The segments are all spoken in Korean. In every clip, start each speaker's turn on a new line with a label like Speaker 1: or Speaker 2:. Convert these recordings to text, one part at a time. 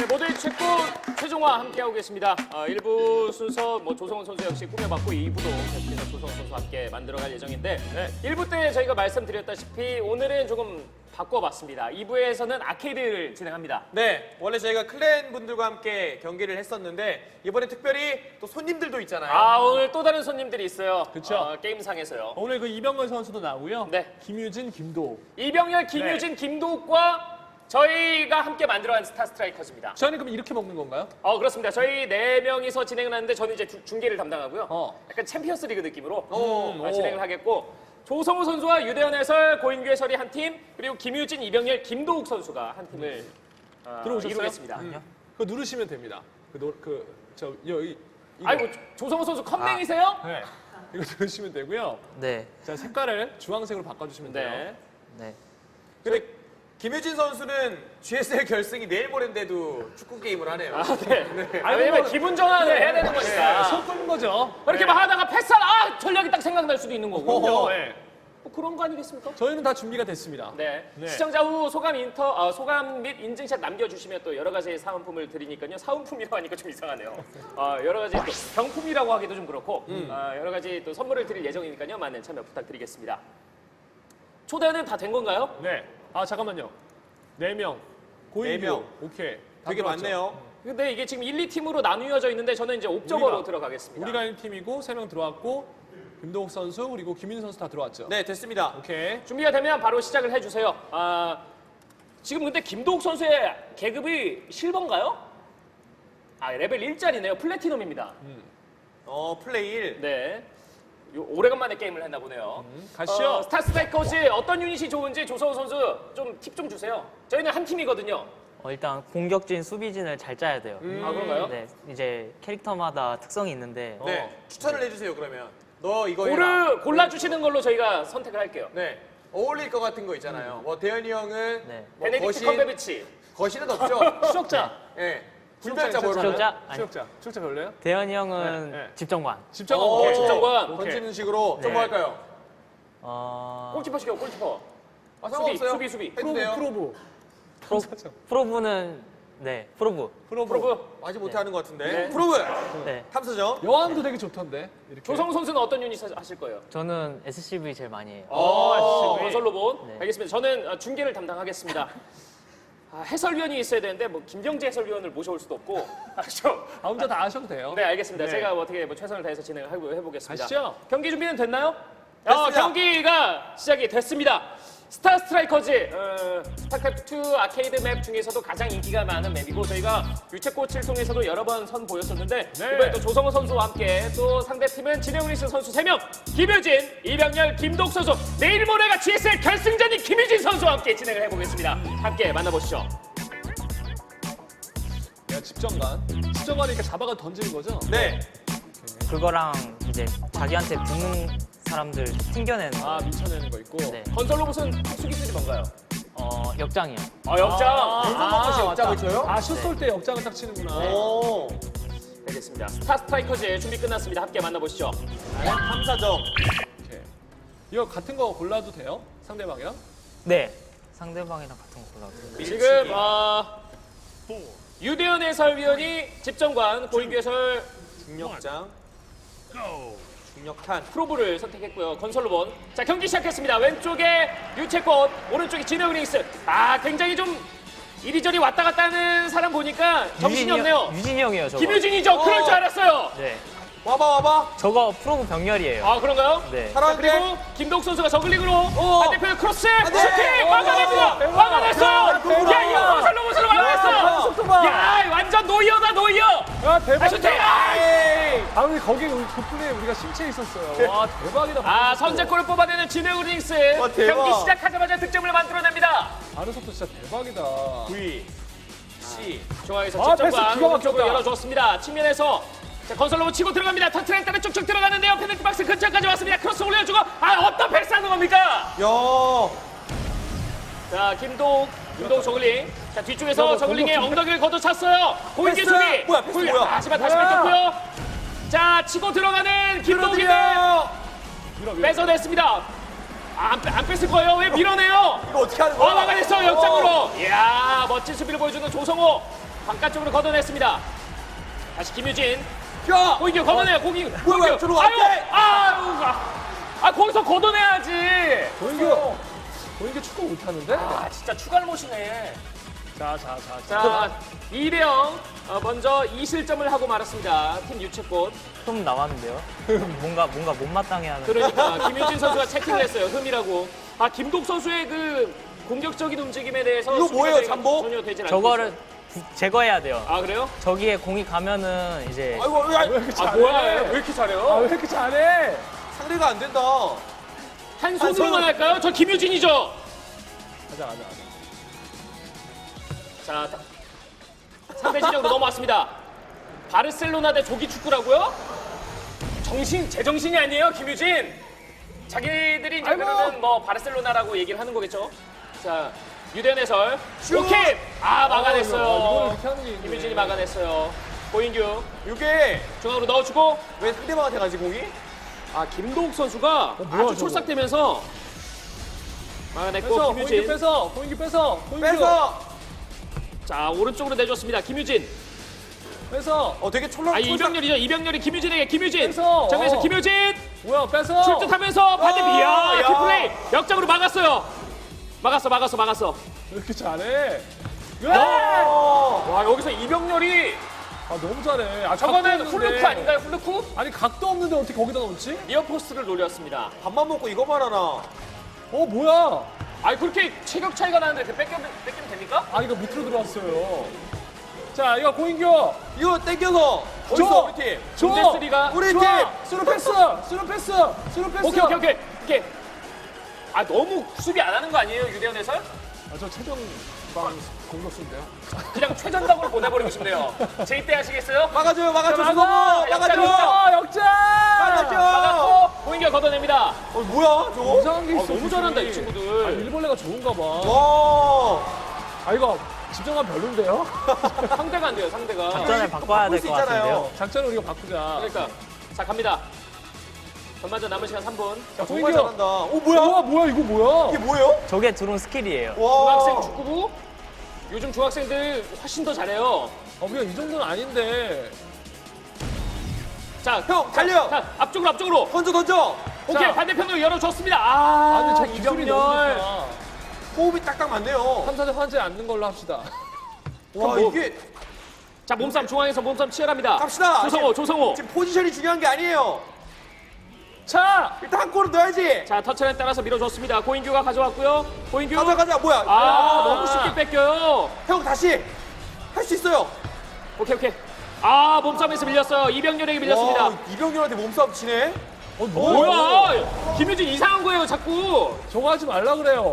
Speaker 1: 모두의 최고 최종화 함께하고 계십니다. 1부 순서 조성훈 선수 역시 꾸며봤고 2부도 계속해서 조성훈 선수와 함께 만들어갈 예정인데 1부 때 저희가 말씀드렸다시피 오늘은 조금 바꿔봤습니다. 2부에서는 아케이드를 진행합니다.
Speaker 2: 네, 원래 저희가 클랜 분들과 함께 경기를 했었는데 이번에 특별히 또 손님들도 있잖아요.
Speaker 1: 오늘 또 다른 손님들이 있어요.
Speaker 3: 그쵸.
Speaker 1: 게임상에서요.
Speaker 3: 오늘 그 이병건 선수도 나오고요.
Speaker 1: 네.
Speaker 3: 김유진, 김도욱.
Speaker 1: 이병렬, 김유진, 김도욱과 저희가 함께 만들어간 스타 스트라이커즈입니다.
Speaker 3: 저희는 그럼 이렇게 먹는 건가요?
Speaker 1: 그렇습니다. 저희 4명이서 진행을 하는데 저는 이제 중계를 담당하고요.
Speaker 3: 어.
Speaker 1: 약간 챔피언스 리그 느낌으로
Speaker 2: 오.
Speaker 1: 진행을 하겠고 조성우 선수와 유대현 해설, 고인규 해설이 한 팀, 그리고 김유진, 이병렬, 김도욱 선수가 한 팀을
Speaker 3: 들어오셨어요?
Speaker 1: 이루겠습니다.
Speaker 3: 그거 누르시면 됩니다. 여기. 이거.
Speaker 1: 아이고, 조성우 선수 컴맹이세요?
Speaker 3: 네. 이거 누르시면 되고요.
Speaker 4: 네,
Speaker 3: 자, 색깔을 주황색으로 바꿔주시면 돼요.
Speaker 1: 네.
Speaker 4: 네.
Speaker 2: 근데 김유진 선수는 GSL 결승이 내일 모레인데도 축구 게임을 하네요.
Speaker 1: 왜냐면 기분 전환을 해야 되는 거니까.
Speaker 3: 속 끄는 거죠.
Speaker 1: 이렇게 막 하다가 패스 전략이 딱 생각날 수도 있는 거고.
Speaker 3: 네.
Speaker 1: 뭐 그런 거 아니겠습니까?
Speaker 3: 저희는 다 준비가 됐습니다.
Speaker 1: 네.
Speaker 3: 네.
Speaker 1: 시청자 후 소감 및 인증샷 남겨주시면 또 여러 가지 사은품을 드리니까요. 사은품이라고 하니까 좀 이상하네요. 여러 가지 또 경품이라고 하기도 좀 그렇고 여러 가지 또 선물을 드릴 예정이니까요. 많은 참여 부탁드리겠습니다. 초대는 다 된 건가요?
Speaker 3: 네. 잠깐만요. 4명. 고인규.
Speaker 2: 4명.
Speaker 3: 오케이. 다
Speaker 2: 되게
Speaker 3: 들어왔죠?
Speaker 2: 많네요.
Speaker 1: 근데 이게 지금 1, 2팀으로 나누어져 있는데 저는 이제 옵저버로
Speaker 3: 우리가-
Speaker 1: 들어가겠습니다.
Speaker 3: 우리가 1팀이고 3명 들어왔고 김도욱 선수 그리고 김윤 선수 다 들어왔죠?
Speaker 2: 네, 됐습니다.
Speaker 3: 오케이.
Speaker 1: 준비가 되면 바로 시작을 해주세요. 지금 근데 김도욱 선수의 계급이 실버인가요? 레벨 1짜리네요. 플래티넘입니다.
Speaker 2: 플레이 1.
Speaker 1: 네. 오래간만에 게임을 했나 보네요.
Speaker 3: 가시죠.
Speaker 1: 스타 스트라이커즈 어떤 유닛이 좋은지 조성우 선수 좀 팁 좀 주세요. 저희는 한 팀이거든요.
Speaker 4: 일단 공격진, 수비진을 잘 짜야 돼요.
Speaker 1: 그런가요?
Speaker 4: 네, 이제 캐릭터마다 특성이 있는데
Speaker 2: 네, 추천을 해주세요, 그러면. 너 이거 해라.
Speaker 1: 골라주시는 걸로 저희가 선택을 할게요.
Speaker 2: 네, 어울릴 것 같은 거 있잖아요. 뭐 대현이 형은
Speaker 4: 네.
Speaker 2: 뭐
Speaker 1: 베네딕트 컴베비치.
Speaker 2: 거신은 없죠?
Speaker 3: 추적자.
Speaker 2: 네. 불멸자
Speaker 3: 추적자.
Speaker 2: 뭐로
Speaker 4: 추적자? 아니,
Speaker 3: 추적자 별로예요?
Speaker 4: 대현이 형은
Speaker 3: 네, 네.
Speaker 4: 집정관.
Speaker 3: 집정관.
Speaker 1: 집정관.
Speaker 3: 오케이.
Speaker 2: 던지는 식으로 좀
Speaker 4: 네.
Speaker 2: 뭐 할까요?
Speaker 1: 골키퍼 시켜, 골키퍼.
Speaker 2: 상관없어요.
Speaker 1: 수비.
Speaker 2: 해도 돼요.
Speaker 3: 프로브.
Speaker 4: 프로브는 네, 프로브.
Speaker 1: 프로브.
Speaker 2: 아직 못하는 것 같은데.
Speaker 1: 네.
Speaker 2: 프로브
Speaker 4: 네,
Speaker 2: 탐사정.
Speaker 3: 여왕도 되게 좋던데. 이렇게.
Speaker 1: 조성우 선수는 어떤 유닛 하실 거예요?
Speaker 4: 저는 SCV 제일 많이 해요.
Speaker 1: 건설 로봇.
Speaker 4: 네.
Speaker 1: 알겠습니다. 저는 중계를 담당하겠습니다. 해설위원이 있어야 되는데 김경재 해설위원을 모셔올 수도 없고. 그렇죠?
Speaker 3: 혼자 다 하셔도 돼요.
Speaker 1: 네, 알겠습니다.
Speaker 3: 네.
Speaker 1: 제가 어떻게 최선을 다해서 진행을 해보겠습니다.
Speaker 3: 가시죠.
Speaker 1: 경기 준비는 됐나요?
Speaker 2: 됐습니다.
Speaker 1: 경기가 시작이 됐습니다. 스타 스트라이커즈, 스타크래프트 아케이드 맵 중에서도 가장 인기가 많은 맵이고 저희가 유채꽃을 통해서도 여러 번 선보였었는데
Speaker 3: 네.
Speaker 1: 이번에 또 조성호 선수와 함께 또 상대팀은 진해우리스 선수 3명, 김유진, 이병렬, 김도욱 선수, 내일 모레가 GSL 결승전인 김유진 선수와 함께 진행을 해보겠습니다. 함께 만나보시죠.
Speaker 3: 야, 집정관이 이렇게 잡아가 던지는 거죠?
Speaker 2: 네.
Speaker 4: 그거랑 이제 자기한테 붙는 사람들 튕겨내는 거.
Speaker 3: 미쳐내는 거 있고.
Speaker 4: 네.
Speaker 1: 건설 로봇은 수기술이 뭔가요?
Speaker 4: 역장이요.
Speaker 1: 역장.
Speaker 2: 것이 역장을 쳐요?
Speaker 3: 슛 쏠 때 역장을 딱 치는구나.
Speaker 2: 오.
Speaker 1: 알겠습니다. 스타 스트라이커즈 준비 끝났습니다. 함께 만나보시죠.
Speaker 2: 탐사정.
Speaker 3: 오케이. 이거 같은 거 골라도 돼요? 상대방이랑?
Speaker 4: 네, 상대방이랑 같은 거 골라도.
Speaker 1: 지금 유대현 해설위원이 집정관, 고인규 해설
Speaker 2: 중력장. 중력탄.
Speaker 1: 프로브를 선택했고요. 건설 로봇. 자, 경기 시작했습니다. 왼쪽에 유채꽃, 오른쪽에 진해우닉스. 굉장히 좀 이리저리 왔다 갔다 하는 사람 보니까 정신이 없네요.
Speaker 4: 유진이 형이에요, 저거.
Speaker 1: 김유진이죠. 그럴 줄 알았어요.
Speaker 4: 네.
Speaker 2: 와봐.
Speaker 4: 저거 프로브 병렬이에요.
Speaker 1: 그런가요?
Speaker 4: 네.
Speaker 1: 자, 그리고 김도욱 선수가 저글링으로 반대편 크로스
Speaker 2: 돼.
Speaker 1: 슈팅 막아냅니다. 막아냈어요.
Speaker 2: 대박.
Speaker 1: 야, 이거 건설 로봇으로 막아냈어.
Speaker 3: 속도봐.
Speaker 1: 야, 완전 노이어다, 노이어.
Speaker 3: 야, 대박이다.
Speaker 1: 슈팅!
Speaker 3: 근데 거기 덕분에 우리가 심체에 있었어요. 와, 대박이다.
Speaker 1: 선제골을 뽑아내는 진해우닉스.
Speaker 2: 와, 대박.
Speaker 1: 경기 시작하자마자 득점을 만들어냅니다.
Speaker 3: 바로 속도 진짜 대박이다.
Speaker 2: V. C.
Speaker 1: 중앙에서
Speaker 3: 패스
Speaker 1: 직접과
Speaker 3: 기가
Speaker 1: 오른쪽으로
Speaker 3: 막혔다.
Speaker 1: 열어줬습니다. 측면에서 자, 건설로 치고 들어갑니다. 터트라인 따라 쭉쭉 들어가는데요. 페널티 박스 근처까지 왔습니다. 크로스 올려주고 어떤 패스하는 겁니까?
Speaker 2: 야.
Speaker 1: 자, 김도욱 저글링. 자, 뒤쪽에서
Speaker 3: 저거
Speaker 1: 저글링의
Speaker 3: 공격
Speaker 1: 엉덩이를 걷어찼어요. 고인규
Speaker 2: 패스!
Speaker 1: 수비.
Speaker 2: 뭐야, 패스 뭐야?
Speaker 1: 하지만 다시 뺏겼고요. 자, 치고 들어가는 김도욱인데 뺏어냈습니다. 안 뺐을 거예요. 왜 밀어내요?
Speaker 2: 이거 어떻게 하는 거야?
Speaker 1: 막아냈어요. 역장으로. 이야, 멋진 수비를 보여주는 조성호. 바깥쪽으로 걷어냈습니다. 다시 김유진.
Speaker 2: 야!
Speaker 1: 고인규 걷어내요.
Speaker 2: 뭐야, 저로
Speaker 1: 아유,
Speaker 2: 앞에!
Speaker 1: 거기서 걷어내야지.
Speaker 3: 고인규 축구 못하는데?
Speaker 1: 아, 진짜 추가를 못이네.
Speaker 3: 자.
Speaker 1: 자, 2대0. 먼저 2실점을 하고 말았습니다. 팀 유채꽃.
Speaker 4: 흠 나왔는데요. 뭔가 못마땅해하는.
Speaker 1: 그러니까 김유진 선수가 체킹을 했어요. 흠이라고. 김독 선수의 그 공격적인 움직임에 대해서
Speaker 2: 이거
Speaker 1: 수비가
Speaker 2: 뭐예요,
Speaker 1: 저희가
Speaker 2: 잠복?
Speaker 1: 전혀 되질 않고
Speaker 4: 저거를
Speaker 1: 있어요.
Speaker 4: 제거해야 돼요.
Speaker 1: 아, 그래요?
Speaker 4: 저기에 공이 가면은 이제
Speaker 2: 아이고,
Speaker 3: 왜 이렇게 잘해?
Speaker 1: 뭐야? 왜 이렇게 잘해요?
Speaker 3: 왜 이렇게 잘해?
Speaker 2: 상대가 안 된다.
Speaker 1: 한 손으로만 할까요? 저 김유진이죠.
Speaker 3: 가자.
Speaker 1: 자, 상대 진영으로 넘어왔습니다. 바르셀로나 대 조기 축구라고요? 제정신이 아니에요, 김유진. 자기들이 이제
Speaker 3: 아이고.
Speaker 1: 그러면 뭐 바르셀로나라고 얘기를 하는 거겠죠. 자, 유대현 해설.
Speaker 2: 슛!
Speaker 1: 오케이.
Speaker 3: 이거를
Speaker 1: 막아냈어요.
Speaker 3: 이렇게 하는 게 있네.
Speaker 1: 김유진이 막아냈어요. 고인규
Speaker 2: 이게
Speaker 1: 중앙으로 넣어주고.
Speaker 2: 왜 상대방한테 가지, 공이?
Speaker 1: 김도욱 선수가
Speaker 3: 뭐야,
Speaker 1: 아주
Speaker 3: 저거.
Speaker 1: 촉삭되면서 막아냈고
Speaker 3: 뺏어,
Speaker 1: 김유진.
Speaker 3: 고인규 뺏어.
Speaker 2: 뺏어!
Speaker 1: 자, 오른쪽으로 내줬습니다. 김유진.
Speaker 3: 뺏어.
Speaker 2: 되게 촐랑
Speaker 1: 이병렬이죠. 이병렬이 김유진에게 김유진.
Speaker 3: 뺏어.
Speaker 1: 정면에서 김유진.
Speaker 3: 뭐야, 뺏어.
Speaker 1: 출뜻하면서 반대 비야.
Speaker 2: 야.
Speaker 1: 뒷플레이. 역장으로 막았어요. 막았어.
Speaker 3: 왜 이렇게 잘해?
Speaker 1: 와, 여기서 이병렬이
Speaker 3: 너무 잘해.
Speaker 1: 저거는
Speaker 3: 각도
Speaker 1: 훌루크
Speaker 3: 없는데.
Speaker 1: 아닌가요? 훌루크?
Speaker 3: 아니 각도 없는데 어떻게 거기다 넣지?
Speaker 1: 니어포스트를 노렸습니다.
Speaker 2: 밥만 먹고 이거만 하나.
Speaker 3: 뭐야?
Speaker 1: 그렇게 체격 차이가 나는데 뺏기면 됩니까?
Speaker 3: 이거 밑으로 들어왔어요. 자, 이거 고인규.
Speaker 2: 이거 땡겨서. 어딨어, 우리 팀?
Speaker 1: bun데스리가
Speaker 2: 우리 팀!
Speaker 3: 스루 패스.
Speaker 1: 오케이. 너무 수비 안 하는 거 아니에요, 유대현 해설?
Speaker 3: 저 최정방 공격수인데요.
Speaker 1: 그냥 최전방으로 보내버리고 싶네요. 제 이때 하시겠어요?
Speaker 2: 막아줘요,
Speaker 3: 자,
Speaker 2: 수고모! 막아줘!
Speaker 3: 역전!
Speaker 2: 막아줘!
Speaker 1: 막았고 고인규가 걷어냅니다.
Speaker 2: 뭐야, 저거?
Speaker 3: 이상한 게 있어.
Speaker 1: 너무 잘한다, 이 친구들.
Speaker 3: 일벌레가 좋은가 봐.
Speaker 2: 와!
Speaker 3: 이거 집정관 별론데요?
Speaker 1: 상대가 안 돼요, 상대가.
Speaker 4: 작전을 바꿔야 될
Speaker 2: 수
Speaker 4: 것
Speaker 2: 있잖아요.
Speaker 4: 같은데요.
Speaker 3: 작전을 우리가 바꾸자.
Speaker 1: 그러니까. 자, 갑니다. 전반전 남은 시간 3분.
Speaker 2: 정말 잘한다. 뭐야?
Speaker 3: 이거 뭐야?
Speaker 2: 이게 뭐예요?
Speaker 4: 저게 들어온 스킬이에요.
Speaker 2: 와!
Speaker 1: 중학생 축구부. 요즘 중학생들 훨씬 더 잘해요.
Speaker 3: 우리가 이 정도는 아닌데.
Speaker 1: 자,
Speaker 2: 형, 달려!
Speaker 1: 자, 앞쪽으로.
Speaker 2: 던져!
Speaker 1: 오케이,
Speaker 3: 자.
Speaker 1: 반대편으로 열어줬습니다.
Speaker 3: 근데 저 기술이 너무 좋다.
Speaker 2: 호흡이 딱딱 맞네요.
Speaker 3: 3사대 환자에 앉는 걸로 합시다.
Speaker 2: 와,
Speaker 1: 뭐-
Speaker 2: 이게
Speaker 1: 자, 몸싸움 중앙에서 몸싸움 치열합니다.
Speaker 2: 갑시다.
Speaker 1: 조성호.
Speaker 2: 지금 포지션이 중요한 게 아니에요.
Speaker 3: 자!
Speaker 2: 일단 한 골은 넣어야지.
Speaker 1: 자, 터치라인 따라서 밀어줬습니다. 고인규가 가져왔고요. 고인규.
Speaker 2: 가자. 뭐야?
Speaker 1: 너무 쉽게 뺏겨요.
Speaker 2: 형 다시 할 수 있어요.
Speaker 1: 오케이. 몸싸움에서 밀렸어요. 이병렬에게 밀렸습니다.
Speaker 2: 와, 이병렬한테 몸싸움 치네.
Speaker 1: 뭐야? 김유진 이상한 거예요, 자꾸.
Speaker 3: 저거 하지 말라 그래요.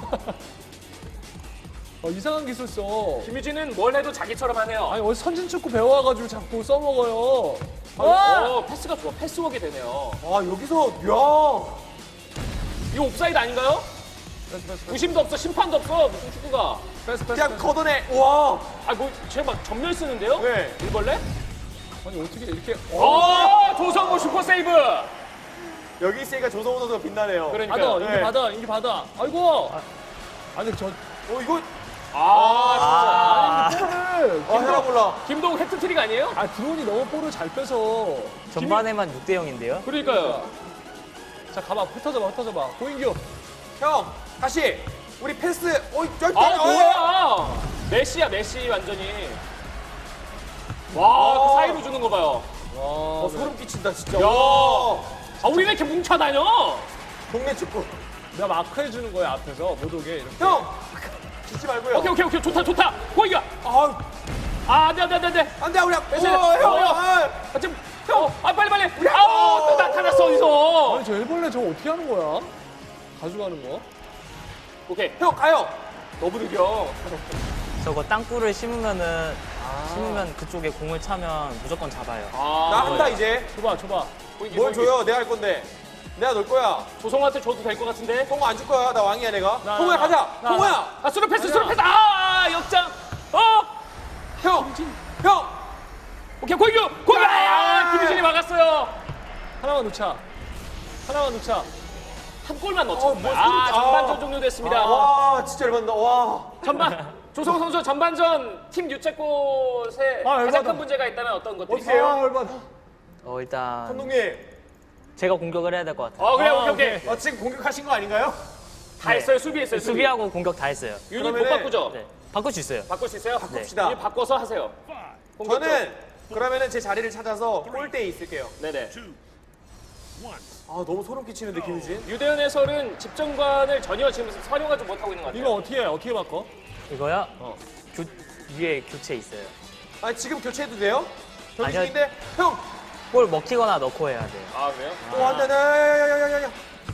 Speaker 3: 이상한 기술 써.
Speaker 1: 김유진은 뭘 해도 자기처럼 하네요.
Speaker 3: 어디 선진축구 배워와가지고 자꾸 써먹어요.
Speaker 1: 패스가 좋아. 패스워크 되네요.
Speaker 2: 여기서
Speaker 1: 이거 옵사이드 아닌가요? 부심도 없어, 심판도 없어. 무슨 축구가.
Speaker 3: 패스.
Speaker 2: 그냥 걷어내. 와.
Speaker 1: 쟤 막 전멸 쓰는데요?
Speaker 2: 네.
Speaker 1: 일벌레?
Speaker 3: 아니 어떻게 이렇게?
Speaker 1: 조성호 슈퍼 세이브.
Speaker 2: 여기 있으니까 조성호 선수가 빛나네요.
Speaker 1: 그러니까.
Speaker 3: 인기 받아. 아이고. 아니 저.
Speaker 2: 이거
Speaker 3: 볼을.
Speaker 2: 해라 몰라.
Speaker 1: 김동욱 해트트릭 아니에요?
Speaker 3: 드론이 너무 볼을 잘 빼서.
Speaker 4: 전반에만 6대 0인데요.
Speaker 1: 그러니까요.
Speaker 3: 자 가봐. 흩어져봐. 고인규.
Speaker 2: 형 다시 우리 패스.
Speaker 1: 뭐야? 메시 완전히. 와, 그 사이로 주는 거 봐요.
Speaker 3: 와.
Speaker 2: 소름 끼친다 진짜.
Speaker 1: 야.
Speaker 2: 와.
Speaker 1: 우리 왜 이렇게 뭉쳐 다녀?
Speaker 2: 동네 축구.
Speaker 3: 내가 마크 해주는 거야 앞에서 못 오게 이렇게.
Speaker 2: 형 죽지 말고요.
Speaker 1: 오케이. 좋다. 고이가. 안 돼.
Speaker 2: 안돼 우리.
Speaker 1: 지금 빨리. 또 나타났어 어디서?
Speaker 3: 아니 저 일벌레 저거 어떻게 하는 거야? 가져가는 거?
Speaker 1: 오케이.
Speaker 2: 형 가요.
Speaker 1: 너무 느려.
Speaker 4: 저거 땅굴을 심으면 그쪽에 공을 차면 무조건 잡아요.
Speaker 2: 나 한다 이제.
Speaker 3: 줘봐.
Speaker 2: 뭘 줘요? 내가 할 건데. 내가 넣을 거야.
Speaker 1: 조성호한테 줘도 될 것 같은데.
Speaker 2: 통호 안 줄 거야. 나 왕이야 내가.
Speaker 3: 나,
Speaker 2: 통호야
Speaker 3: 나,
Speaker 2: 가자.
Speaker 3: 나,
Speaker 2: 통호야.
Speaker 1: 스루 패스. 역장.
Speaker 2: 형.
Speaker 1: 오케이, 고이규. 김유진이 막았어요.
Speaker 3: 하나만 놓자.
Speaker 1: 한 골만 넣자.
Speaker 2: 뭐 소름-
Speaker 1: 전반전 종료됐습니다.
Speaker 2: 와 진짜 열받는다. 와.
Speaker 1: 전반 조성호 선수 전반전 팀 유채꽃에
Speaker 3: 아,
Speaker 1: 가장
Speaker 3: 열받아.
Speaker 1: 큰 문제가 있다면 어떤 것들이
Speaker 3: 아, 얼마나.
Speaker 4: 일단
Speaker 2: 감독님,
Speaker 4: 제가 공격을 해야 될 것 같아요.
Speaker 1: 그래,
Speaker 3: 아,
Speaker 1: 오케이.
Speaker 2: 지금 공격하신 거 아닌가요?
Speaker 1: 다 했어요, 수비했어요, 수비.
Speaker 4: 수비하고 공격 다 했어요.
Speaker 1: 유닛 못
Speaker 2: 그러면은-
Speaker 1: 바꾸죠?
Speaker 4: 네. 바꿀 수 있어요.
Speaker 1: 바꿀 수 있어요?
Speaker 2: 바꿉시다.
Speaker 1: 유닛 바꿔서 하세요. 공격
Speaker 2: 저는 그러면은 제 자리를 찾아서 골대에 있을게요.
Speaker 1: 쪽. 네네.
Speaker 2: 아, 너무 소름 끼치는데, 김유진.
Speaker 1: 유대현 해설은 집정관을 전혀 지금 활용하지 못하고 있는 것 같아요.
Speaker 3: 이거 어떻게 해? 어떻게 바꿔?
Speaker 4: 이거요? 위에 교체 있어요.
Speaker 2: 아, 지금 교체해도 돼요? 경기
Speaker 4: 아니요.
Speaker 2: 중인데? 형!
Speaker 4: 볼 먹히거나 넣고 해야 돼요.
Speaker 1: 아, 그래요?
Speaker 2: 안 돼, 야야야야야야.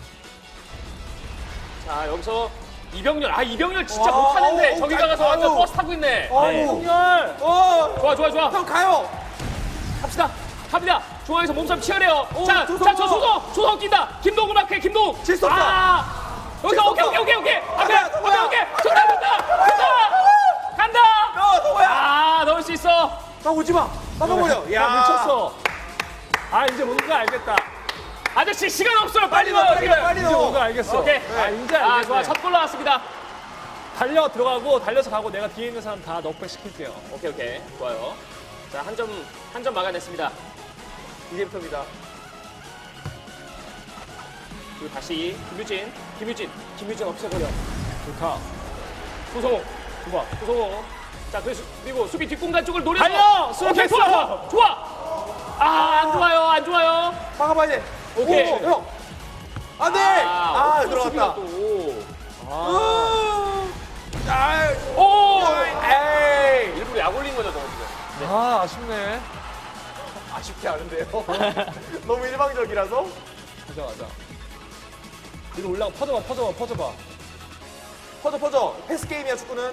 Speaker 1: 자, 여기서 이병렬. 이병렬 진짜
Speaker 2: 와,
Speaker 1: 못하는데
Speaker 2: 어우,
Speaker 1: 저기 가서 완전
Speaker 2: 아유.
Speaker 1: 버스 타고 있네.
Speaker 2: 아이고.
Speaker 3: 열!
Speaker 1: 좋아.
Speaker 2: 형 가요!
Speaker 1: 갑시다. 갑니다. 중앙에서 몸싸움 치열해요. 자,
Speaker 2: 조성호.
Speaker 1: 조성호 뛴다. 김동훈 마크해, 김동훈.
Speaker 2: 질수 없다.
Speaker 1: 여기서
Speaker 2: 질수
Speaker 1: 오케이. 앞에.
Speaker 2: 동호야.
Speaker 1: 정답 간다.
Speaker 2: 동호야!
Speaker 1: 넣을 수 있어.
Speaker 2: 나 오지 마! 막아버려!
Speaker 3: 야, 미쳤어. 이제 뭔가 알겠다.
Speaker 1: 아저씨 시간 없어요. 빨리 넣어.
Speaker 2: 빨리
Speaker 3: 이제 뭔가
Speaker 2: 넣어!
Speaker 3: 알겠어.
Speaker 1: 오케이.
Speaker 3: 이제 알겠네.
Speaker 1: 좋아. 첫 골 나왔습니다.
Speaker 3: 달려서 가고 내가 뒤에 있는 사람 다 넉백 시킬게요.
Speaker 1: 오케이. 좋아요. 자, 한 점 막아냈습니다.
Speaker 2: 이제부터입니다.
Speaker 1: 그리고 다시 김유진 없애버려.
Speaker 3: 좋다.
Speaker 1: 조성호.
Speaker 3: 좋아.
Speaker 1: 조성호. 자, 그리고 수비 뒷공간 쪽을 노려서.
Speaker 3: 달려!
Speaker 1: 오케이, 좋아. 안 좋아요.
Speaker 2: 막아봐야 돼.
Speaker 1: 오케이.
Speaker 2: 오, 형! 안 돼!
Speaker 1: 수비가
Speaker 2: 들어갔다.
Speaker 1: 또.
Speaker 2: 에이!
Speaker 1: 일부러 약 올린 거죠, 저거 지금.
Speaker 3: 아쉽네.
Speaker 2: 아쉽지 않은데요? 너무 일방적이라서?
Speaker 3: 가자. 위로 올라가. 퍼져봐.
Speaker 2: 퍼져. 패스 게임이야, 축구는.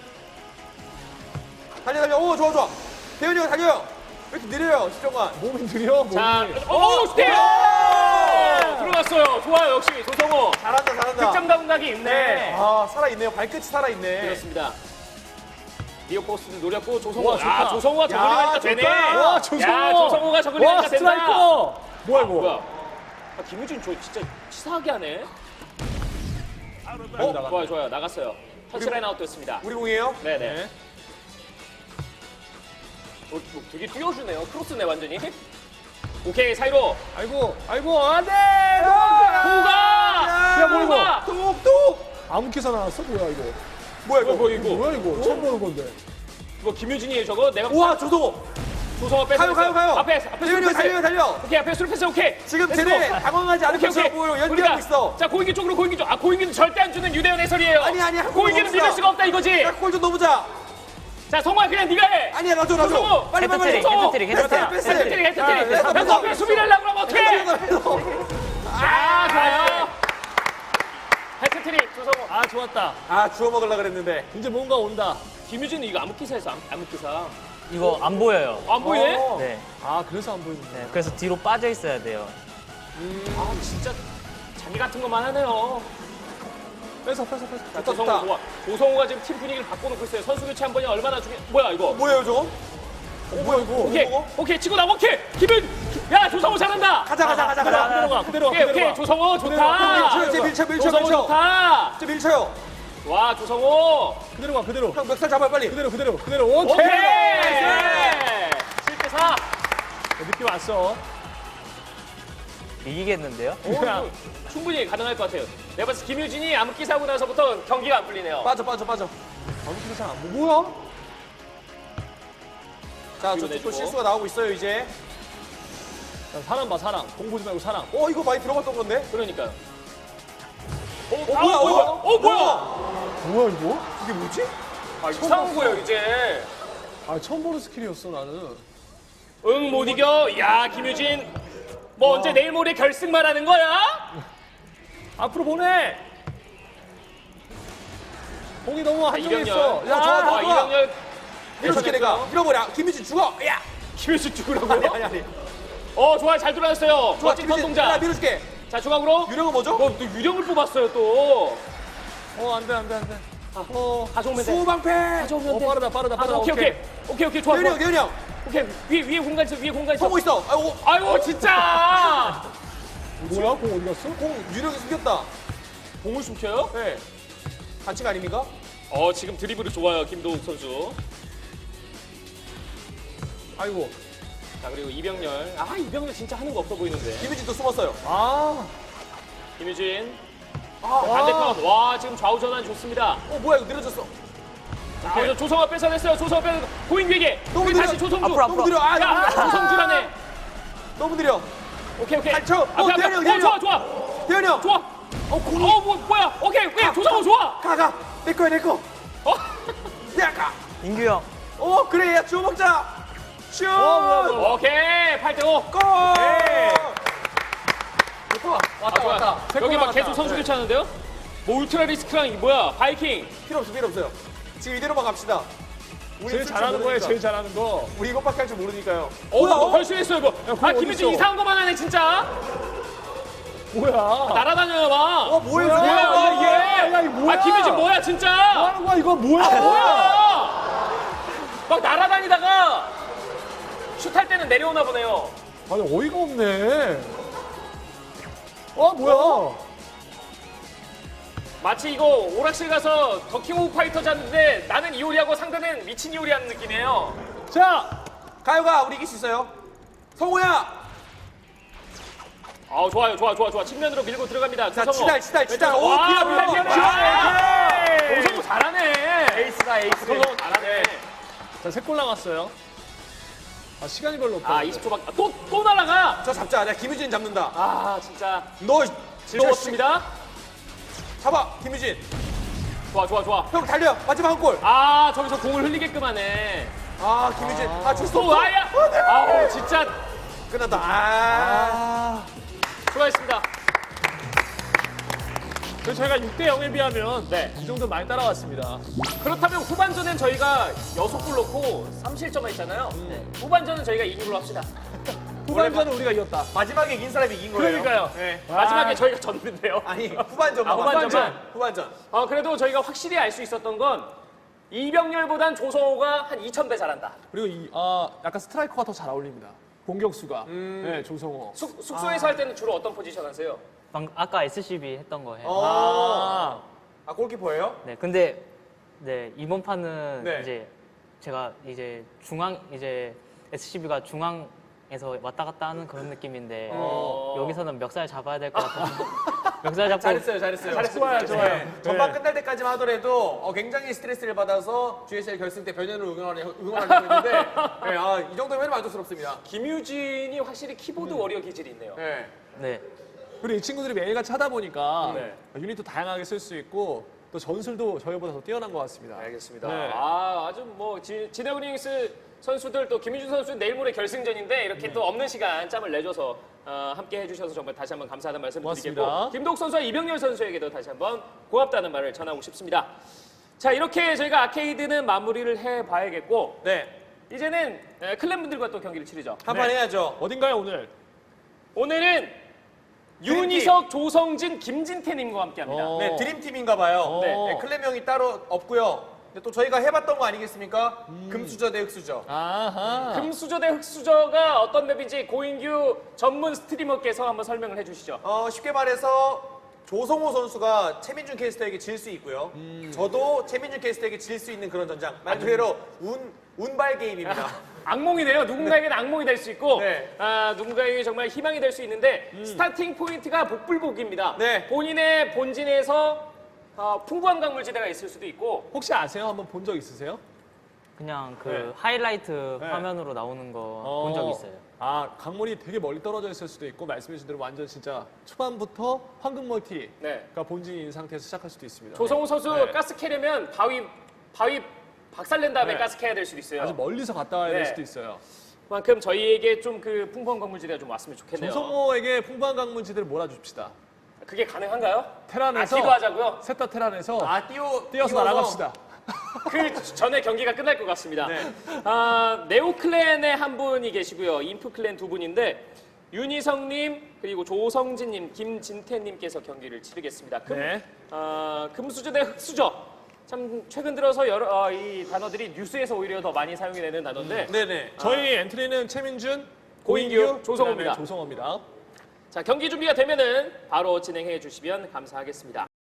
Speaker 2: 달려. 오, 좋아. 대현이 형 달려요. 왜 이렇게 느려요, 시정관?
Speaker 3: 몸이 느려.
Speaker 1: 자,
Speaker 3: 몸이.
Speaker 1: 스텝! 들어갔어요. 좋아요, 역시 조성호.
Speaker 2: 잘한다.
Speaker 1: 득점 감각이 있네.
Speaker 2: 살아있네요. 발끝이 살아있네.
Speaker 1: 그렇습니다. 리오 포스트 노렸고 조성호.
Speaker 3: 와, 좋다.
Speaker 1: 조성호가 저글링하니까 되네.
Speaker 2: 좋다.
Speaker 3: 와, 조성호.
Speaker 1: 야, 조성호가 저글링하니까 된다.
Speaker 3: 스트라이커. 뭐야, 이거?
Speaker 1: 뭐야? 김유진 저 진짜 치사하게 하네. 좋아요. 나갔어요. 터치라인 아웃 됐습니다.
Speaker 2: 우리 공이에요?
Speaker 1: 네네. 뭐 되게 띄워주네요. 크로스네 완전히. 오케이 사이로.
Speaker 3: 아이고, 안 돼!
Speaker 1: 호가.
Speaker 3: 야, 뭐 이거?
Speaker 1: 호가.
Speaker 2: 뚝뚝!
Speaker 3: 아무 기사 나왔어? 뭐야, 이거?
Speaker 2: 뭐야, 이거?
Speaker 3: 뭐야, 이거? 처음 보는 건데.
Speaker 1: 이거 김유진이에요 저거. 내가
Speaker 2: 우와, 조성호!
Speaker 1: 조성호 뺏어.
Speaker 2: 가요.
Speaker 1: 앞에
Speaker 2: 대현이 형
Speaker 1: 수루 패스.
Speaker 2: 달려.
Speaker 1: 오케이 앞에 수루 패스 오케이.
Speaker 2: 지금
Speaker 1: 렛츠고.
Speaker 2: 쟤네 당황하지 않은 것처럼 보여. 연기하고 있어.
Speaker 1: 자 고인기 쪽으로 고인기 쪽. 고인기는 절대 안 주는 유대현 해설이에요.
Speaker 2: 아니, 한
Speaker 1: 고인기는
Speaker 2: 골
Speaker 1: 믿을
Speaker 2: 넣읍시다.
Speaker 1: 수가 없다 이거지.
Speaker 2: 골 좀 넣어보자.
Speaker 1: 자 성호야 그냥 네가 해.
Speaker 2: 아니야, 놔줘.
Speaker 1: 조성호.
Speaker 2: 빨리.
Speaker 4: 헤드트릭.
Speaker 2: 패스.
Speaker 1: 헤드트릭.
Speaker 2: 야,
Speaker 1: 형 앞에 수비를 하려고 그러면 어떡해. 좋아요. 헤드트릭 조성호.
Speaker 3: 좋았다.
Speaker 2: 주워 먹으려고 그랬는데.
Speaker 3: 이제 뭔가 온다.
Speaker 1: 김유진은 이거 암흑기사에서 암흑기사.
Speaker 4: 이거 안 보여요.
Speaker 1: 안 보이네?
Speaker 4: 네.
Speaker 3: 그래서 안 보이는데.
Speaker 4: 네. 그래서 뒤로 빠져 있어야 돼요.
Speaker 1: 진짜 자기 같은 것만 하네요.
Speaker 3: 뺏어.
Speaker 1: 자, 조성호 좋아. 조성호가 지금 팀 분위기를 바꿔놓고 있어요. 선수 교체 한 번이 얼마나 중요. 뭐야 이거?
Speaker 2: 뭐예요, 저거? 뭐야, 이거?
Speaker 1: 오케이 치고 나가. 오케이. 야 조성호 잘한다.
Speaker 2: 가자.
Speaker 3: 그대로 가.
Speaker 1: 오케이 조성호 좋다.
Speaker 2: 제 밀쳐.
Speaker 1: 조성호 좋다.
Speaker 2: 제 밀쳐요.
Speaker 1: 와 조성호.
Speaker 3: 그대로 가.
Speaker 2: 형, 멱살 잡아요, 빨리.
Speaker 3: 그대로. 오케이.
Speaker 1: 오케이. 7대4.
Speaker 3: 느낌 왔어.
Speaker 4: 이기겠는데요?
Speaker 1: 충분히 가능할 것 같아요. 내가 봤을 때 김유진이 암흑기 사고 나서부터 경기가 안 풀리네요.
Speaker 2: 빠져.
Speaker 3: 아무 기사 안 보여. 뭐야?
Speaker 2: 자,
Speaker 1: 뒤로
Speaker 2: 저쪽도
Speaker 1: 내주고.
Speaker 2: 실수가 나오고 있어요, 이제.
Speaker 3: 사람 봐. 공 보지 말고 사람.
Speaker 2: 이거 많이 들어갔던 건데?
Speaker 1: 그러니까요.
Speaker 2: 뭐야?
Speaker 3: 뭐야, 이거?
Speaker 2: 이게 뭐지?
Speaker 1: 이상한 거예요 이제.
Speaker 3: 처음 보는 스킬이었어, 나는.
Speaker 1: 응 못 이겨. 야 김유진. 뭐 언제 내일 모레 결승 말하는 거야?
Speaker 3: 앞으로 보내! 공이 너무 한쪽에
Speaker 1: 이병렬.
Speaker 3: 있어.
Speaker 2: 야, 좋아.
Speaker 1: 이병렬.
Speaker 2: 밀어줄게, 내가. 밀어버려. 김유진 죽어! 야!
Speaker 1: 김유진 죽으라고요?
Speaker 2: 아니.
Speaker 1: 좋아 잘 돌아갔어요.
Speaker 2: 좋아,
Speaker 1: 멋진 선
Speaker 2: 김유진.
Speaker 1: 동작.
Speaker 2: 내가 밀어줄게.
Speaker 1: 자 중앙으로.
Speaker 2: 유령은 뭐죠?
Speaker 1: 또 유령을 뽑았어요 또.
Speaker 3: 안 돼.
Speaker 1: 가져오면 돼.
Speaker 2: 수방패!
Speaker 1: 가져오면 돼.
Speaker 3: 빠르다.
Speaker 1: 오케이 좋아.
Speaker 2: 대현이 형.
Speaker 1: 오케이 위에 공간 있어.
Speaker 2: 성공 있어.
Speaker 1: 아이고 진짜.
Speaker 3: 뭐야? 공 어디 갔어?
Speaker 2: 공 유령이 숨겼다.
Speaker 1: 공을 숨겨요?
Speaker 2: 네. 반칙 아닙니까?
Speaker 1: 지금 드리블이 좋아요, 김도욱 선수.
Speaker 3: 아이고.
Speaker 1: 자, 그리고 이병렬. 이병렬 진짜 하는 거 없어 보이는데.
Speaker 2: 김유진도 숨었어요.
Speaker 3: 아.
Speaker 1: 김유진. 반대편. 와, 지금 좌우 전환 좋습니다.
Speaker 2: 뭐야 이거 느려졌어.
Speaker 1: 자, 여기서 조성아 뺏어냈어요. 조성아 뺏어. 고인규에게.
Speaker 2: 너무
Speaker 1: 그리고
Speaker 2: 느려.
Speaker 1: 다시 조성주.
Speaker 2: 너무 느려.
Speaker 1: 야, 조성주라네.
Speaker 2: 너무 느려.
Speaker 1: 오케이.
Speaker 2: 8초.
Speaker 1: 앞에.
Speaker 2: 대현이 형.
Speaker 1: 좋아.
Speaker 2: 대현이 형.
Speaker 1: 좋아. 뭐야. 오케이. 조성우 좋아.
Speaker 2: 가. 내 거야 내 거.
Speaker 1: 어?
Speaker 2: 야 가.
Speaker 4: 인규 형.
Speaker 2: 그래 야 주워 먹자. 슛.
Speaker 1: 오케이. 8대5.
Speaker 2: 골.
Speaker 1: 좋아. 여기 막 계속 선수 교체하는데요? 뭐 울트라 리스크랑 이 뭐야? 바이킹.
Speaker 2: 필요 없어요. 지금 이대로만 갑시다. 우리
Speaker 3: 제일
Speaker 2: 쓸줄
Speaker 3: 잘하는 거예요,
Speaker 2: 모르니까.
Speaker 3: 제일 잘하는 거.
Speaker 2: 우리 이것밖에 할 줄 모르니까요.
Speaker 1: 벌써 이거. 김유진
Speaker 3: 어딨어?
Speaker 1: 이상한 거만 하네 진짜.
Speaker 3: 뭐야?
Speaker 1: 날아다녀요 막.
Speaker 2: 뭐야
Speaker 1: 뭐야 이게?
Speaker 3: 야, 이거 뭐야?
Speaker 1: 김유진 뭐야 진짜?
Speaker 3: 뭐 하는 거야, 이거 뭐야?
Speaker 1: 뭐야? 막 날아다니다가 슛할 때는 내려오나 보네요.
Speaker 3: 아니, 어이가 없네. 뭐야?
Speaker 1: 마치 이거 오락실 가서 더킹 오브 파이터 잤는데 나는 이효리하고 상대는 미친 이효리 하는 느낌이에요.
Speaker 3: 자,
Speaker 2: 가요가 우리 이길 수 있어요. 성호야.
Speaker 1: 좋아. 측면으로 밀고 들어갑니다.
Speaker 2: 자
Speaker 1: 조성우.
Speaker 2: 치달.
Speaker 1: 와,
Speaker 2: 미안해.
Speaker 1: 조성우 잘하네.
Speaker 2: 에이스다 에이스.
Speaker 1: 조성우 잘하네.
Speaker 3: 자, 3골 남았어요. 시간이 별로 없다.
Speaker 1: 20초밖에. 또 날아가.
Speaker 2: 저 잡자. 내가 김유진 잡는다.
Speaker 1: 진짜
Speaker 2: 너
Speaker 1: 즐거웠습니다.
Speaker 2: 잡아 김유진.
Speaker 1: 좋아.
Speaker 2: 형 달려. 마지막 한 골.
Speaker 1: 저기서 공을 흘리게끔 하네.
Speaker 2: 김유진. 쳤어.
Speaker 1: 또 와야. 진짜
Speaker 2: 끝났다.
Speaker 1: 수고하셨습니다.
Speaker 3: 그래서 저희가 6대0에 비하면
Speaker 1: 네.
Speaker 3: 이 정도 많이 따라왔습니다.
Speaker 1: 그렇다면 후반전엔 저희가 6골 넣고 3실점 했잖아요. 후반전은 저희가 이긴 걸로 합시다.
Speaker 3: 후반전은 우리가 이겼다.
Speaker 2: 마지막에 이긴 사람이 이긴 거예요.
Speaker 3: 그러니까요.
Speaker 2: 네.
Speaker 1: 마지막에 저희가 졌는데요.
Speaker 2: 아니 후반전. 후반전.
Speaker 1: 그래도 저희가 확실히 알 수 있었던 건 이병렬보단 조성호가 한 2000배 잘한다.
Speaker 3: 그리고 약간 스트라이커가 더 잘 어울립니다. 공격수가. 네, 조성호.
Speaker 1: 숙소에서 할 때는 주로 어떤 포지션 하세요?
Speaker 4: 아까 SCB 했던 거 해요.
Speaker 2: 골키퍼예요?
Speaker 4: 네, 근데 이번 판은
Speaker 2: 네.
Speaker 4: 이제 제가 이제 SCB가 중앙에서 왔다 갔다 하는 그런 느낌인데 여기서는 멱살 잡아야 될 것 같아서 멱살 잡고
Speaker 2: 잘했어요.
Speaker 3: 좋아요.
Speaker 2: 전반 끝날 때까지만 하더라도 굉장히 스트레스를 받아서 GSL 결승 때 변현을 응원하려고 했는데 이 정도면 만족스럽습니다.
Speaker 1: 김유진이 확실히 키보드 워리어 기질이 있네요.
Speaker 2: 네.
Speaker 4: 네.
Speaker 3: 그리고 이 친구들이 매일같이 하다 보니까
Speaker 1: 네.
Speaker 3: 유닛도 다양하게 쓸 수 있고 또 전술도 저희보다 더 뛰어난 것 같습니다.
Speaker 1: 알겠습니다.
Speaker 3: 네.
Speaker 1: 아주 뭐 진에어링스 선수들 또 김유진 선수 내일 모레 결승전인데 이렇게 또 없는 시간 짬을 내줘서 함께 해주셔서 정말 다시 한번 감사하다는 말씀을 드리겠고
Speaker 3: 고맙습니다.
Speaker 1: 김도욱 선수와 이병렬 선수에게도 다시 한번 고맙다는 말을 전하고 싶습니다. 자 이렇게 저희가 아케이드는 마무리를 해봐야겠고
Speaker 2: 네.
Speaker 1: 이제는 클랜분들과 또 경기를 치르죠.
Speaker 2: 한판 해야죠.
Speaker 3: 어딘가요, 오늘?
Speaker 1: 오늘은
Speaker 2: 드림팀.
Speaker 1: 윤희석, 조성진, 김진태님과 함께합니다.
Speaker 2: 네, 드림팀인가 봐요.
Speaker 1: 네.
Speaker 2: 클레명이 따로 없고요. 근데 또 저희가 해봤던 거 아니겠습니까? 금수저 대 흑수저.
Speaker 3: 아하.
Speaker 1: 금수저 대 흑수저가 어떤 맵인지 고인규 전문 스트리머께서 한번 설명을 해주시죠.
Speaker 2: 쉽게 말해서 조성호 선수가 최민준 캐스터에게 질 수 있고요. 저도 최민준 캐스터에게 질 수 있는 그런 전장. 말 그대로 운발 게임입니다.
Speaker 1: 악몽이네요. 누군가에게는 악몽이 될 수 있고
Speaker 2: 네.
Speaker 1: 누군가에게 정말 희망이 될 수 있는데 스타팅 포인트가 복불복입니다.
Speaker 2: 네.
Speaker 1: 본인의 본진에서 풍부한 강물지대가 있을 수도 있고
Speaker 3: 혹시 아세요? 한번 본 적 있으세요?
Speaker 4: 그냥
Speaker 3: 네.
Speaker 4: 하이라이트 화면으로 나오는 거 본 적 있어요.
Speaker 3: 강물이 되게 멀리 떨어져 있을 수도 있고 말씀해주신 대로 완전 진짜 초반부터 황금 멀티가
Speaker 1: 네.
Speaker 3: 본진인 상태에서 시작할 수도 있습니다.
Speaker 1: 조성우 선수
Speaker 3: 네.
Speaker 1: 가스 캐려면 바위 박살낸 다음에
Speaker 3: 네.
Speaker 1: 가스 캐야 될 수도 있어요.
Speaker 3: 아주 멀리서 갔다 와야 될
Speaker 1: 네.
Speaker 3: 수도 있어요.
Speaker 1: 그만큼 저희에게 좀 그 풍부한 강물지대가 좀 왔으면 좋겠네요.
Speaker 3: 조성호에게 풍부한 강문지대를 몰아줍시다.
Speaker 1: 그게 가능한가요?
Speaker 3: 테란에서
Speaker 1: 기도하자고요.
Speaker 3: 셋 다 테란에서
Speaker 2: 뛰어서
Speaker 3: 뛰어서 날아갑시다.
Speaker 1: 그 전에 경기가 끝날 것 같습니다.
Speaker 2: 네.
Speaker 1: 네오클랜의 한 분이 계시고요. 인프클랜 두 분인데 윤희성님 그리고 조성진님, 김진태님께서 경기를 치르겠습니다.
Speaker 3: 네.
Speaker 1: 금수저 대 흑수저. 참 최근 들어서 이 단어들이 뉴스에서 오히려 더 많이 사용이 되는 단어인데
Speaker 2: 네네.
Speaker 3: 저희 엔트리는 최민준,
Speaker 1: 고인규, 조성호입니다.
Speaker 3: 그다음에 조성호입니다.
Speaker 1: 자 경기 준비가 되면은 바로 진행해 주시면 감사하겠습니다.